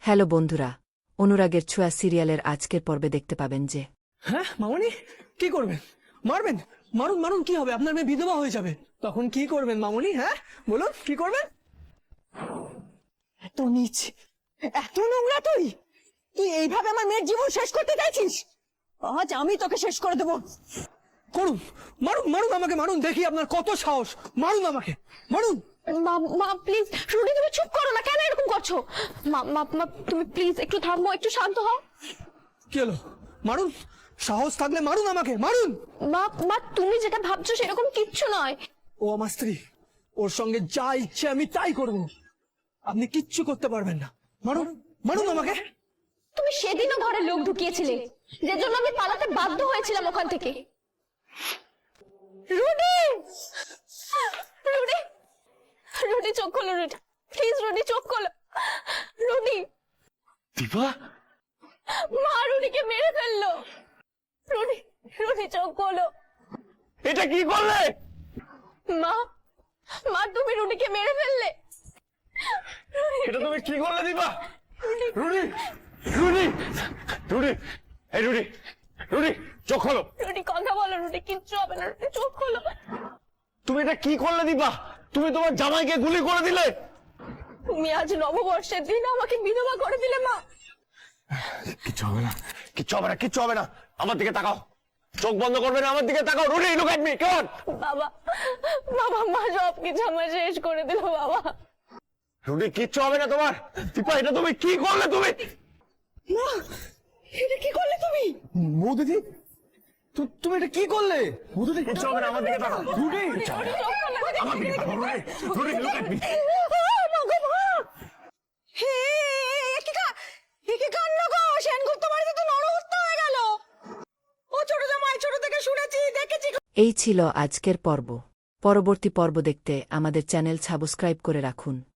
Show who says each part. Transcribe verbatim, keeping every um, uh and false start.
Speaker 1: Hello বন্ধুরা, অনুরাগের ছোঁয়া সিরিয়ালের আজকের পর্বে দেখতে পাবেন যে
Speaker 2: হ্যাঁ মামনি কি করবেন? মারবেন? মারুন মারুন, কি হবে? আপনার মেয়ে বিধবা হয়ে যাবে, তখন কি করবেন মামনি? হ্যাঁ বলুন, কি করবেন?
Speaker 3: এত নিচ, এত নোংরা! তুই তুই এইভাবে আমার মেয়ের জীবন শেষ করতে চাইছিস? আজ আমি তোকে শেষ করে দেবো।
Speaker 2: করুন, মারুন মারুন, আমাকে মারুন, দেখি আপনার কত সাহস। মারুন আমাকে, মারুন।
Speaker 4: মা মা প্লিজ, রুডি তুমি চুপ করো না, কেন এরকম করছো? মা মা মা তুমি প্লিজ একটু থামো, একটু শান্ত হও।
Speaker 2: কি হলো? মারুন, সাহস থাকলে মারুন আমাকে, মারুন।
Speaker 4: মা মা তুমি যেটা ভাবছো সেরকম কিচ্ছু নয়।
Speaker 2: ও আমার স্ত্রী, ওর সঙ্গে যা ইচ্ছে আমি তাই করব, আপনি কিচ্ছু করতে পারবেন না। মারুন মারুন আমাকে।
Speaker 4: তুমি সেদিনও ঘরে লোক ঢুকিয়েছিলে, যে জন্য আমি পালাতে বাধ্য হয়েছিলাম ওখান থেকে। রুডি, রুডি, রুডি চোখ খোলো, রুডি প্লিজ, রুডি চোখ খোলো। রুডি,
Speaker 5: দীপা,
Speaker 4: মা রুডিকে মেরে ফেললো। রুডি, রুডি চোখ খোলো।
Speaker 5: এটা কি করলে?
Speaker 4: মা, মা তুমি রুডিকে মেরে ফেললে।
Speaker 5: এটা তুমি কি করলে দীপা? রুডি, রুডি, রুডি, এই রুডি, রুডি চোখ খোলো।
Speaker 4: রুডি কথা বলো, রুডি কিচ্ছু হবে না, রুডি চোখ খোলো।
Speaker 5: তুমি এটা কি করলে দীপা? তুমি তোমার জামাইকে গুলি করে দিলে।
Speaker 4: তুমি আজ নববর্ষের দিন আমাকে বিধবা করে দিলে মা।
Speaker 5: কিচ্ছু হবে না, কিচ্ছু হবে না, কিচ্ছু হবে না। আমার দিকে তাকাও, চোখ বন্ধ করবে না, আমার দিকে তাকাও। রুডি, লুক এট মি, কেমন?
Speaker 4: বাবা, বাবা মা সব কিছু আমার শেষ করে দিল বাবা।
Speaker 5: রুডি, কিচ্ছু হবে না তোমার। দীপা, এটা তুমি কি করলে? তুমি
Speaker 3: না, এটা কি করলে তুমি?
Speaker 2: বৌদিদি, তু- তুমি এটা কি করলে? বৌদিদি,
Speaker 5: কিচ্ছু হবে না, আমার দিকে তাকাও। রুডি,
Speaker 4: রুডি চোখ খোলো, রুডি।
Speaker 5: আমার দিকে তাকাও। Rudy, Rudy, look at me.
Speaker 3: Hey, একে কা- একে কান্না গো! সেনগুপ্ত বাড়িতে তো নরহত্যা হয়ে গেল। ও ছোট জামাই, ছোট থেকে শুনেছি, দেখেছি।
Speaker 1: এই ছিল আজকের পর্ব। পরবর্তী পর্ব দেখতে আমাদের চ্যানেল সাবস্ক্রাইব করে রাখুন।